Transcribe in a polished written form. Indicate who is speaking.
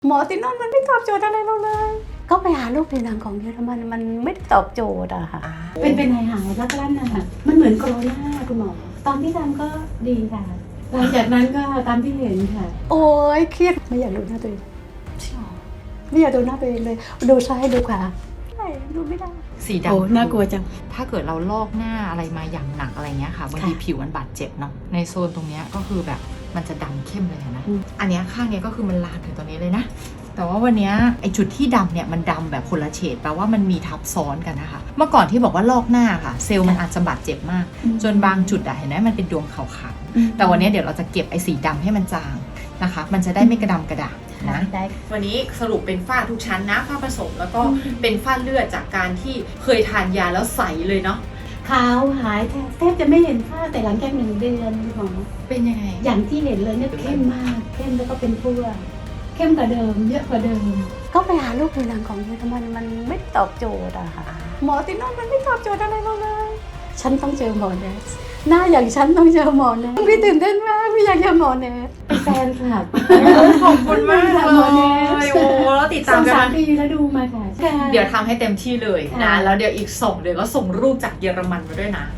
Speaker 1: หมอที่นั่นมันไม่ตอบโจทย์อะไรเราเลยก็ไปหาลูกผิวหนังของเยอรมันมันไม่ได้ตอบโจทย์อะค่ะ
Speaker 2: เป็นหายแล้วก็ลั่นนะคะมันเหมือนโคโรนาคุณหมอตอนที่ทำก็ดีค่ะหลังจากนั้นก็ตามที่เห็นค่ะ
Speaker 1: โอ้ยเครียดไม่อยากดูหน้าตัวเองไม่อยากดูหน้าตัวเองเลยดูซ้ายดูขวาไม่ดูไม่ได้
Speaker 3: สีดำ
Speaker 2: โอ้น่ากลัวจัง
Speaker 3: ถ้าเกิดเราลอกหน้าอะไรมาอย่างหนักอะไรเงี้ยค่ะบางทีผิวมันบาดเจ็บเนาะในโซนตรงเนี้ยก็คือแบบมันจะดำเข้มเลยนะอันเนี้ยข้างเนี้ยก็คือมันลามถึงตรงนี้เลยนะแต่ว่าวันนี้ไอจุดที่ดำเนี่ยมันดำแบบคนละเฉดแปลว่ามันมีทับซ้อนกันนะคะเมื่อก่อนที่บอกว่าลอกหน้าค่ะเซลล์มันอาจจะบาดเจ็บมากจนบางจุดอะเห็นไหมมันเป็นดวงขาวๆแต่วันนี้เดี๋ยวเราจะเก็บไอสีดำให้มันจางนะคะมันจะได้ไม่กระดำกระด่างนะวันนี้สรุปเป็นฝ้าทุกชั้นนะฝ้าผสมแล้วก็เป็นฝ้าเลือดจากการที่เคยทานยาแล้วใสเลยเนาะ
Speaker 2: ขาวหายแทบจะไม่เห็นฝ้าแต่หลังจาก1 เดือนคุณหมอ
Speaker 3: เป็นยังไง
Speaker 2: อย่างที่เห็นเลยเนี่ยเข้มมากเข้มแล้วก็เป็นทั่วเข้มกว่าเดิมเยอะกว่าเดิม
Speaker 1: ก็ไปหาลูกผิวหนังของเยอรมันมันไม่ได้ตอบโจทย์อะค่ะหมอที่นั่นมันไม่ตอบโจทย์อะไรเราเลยฉันต้องเจอหมอเนสหน้าอย่างฉันต้องเจอหมอเนสพี่ตื่นเต้นมากพี่อยากเจอหมอเนส
Speaker 2: เป็นแฟนคลับ
Speaker 3: ขอบคุณมากเลยโอ้แล้วติดตามกัน
Speaker 2: 2-3 ปีแล้วดูมาค่ะ
Speaker 3: เดี๋ยวทำให้เต็มที่เลยนะแล้วเดี๋ยวอีก2 เดือนก็ส่งรูปจากเยอรมันมาด้วยนะ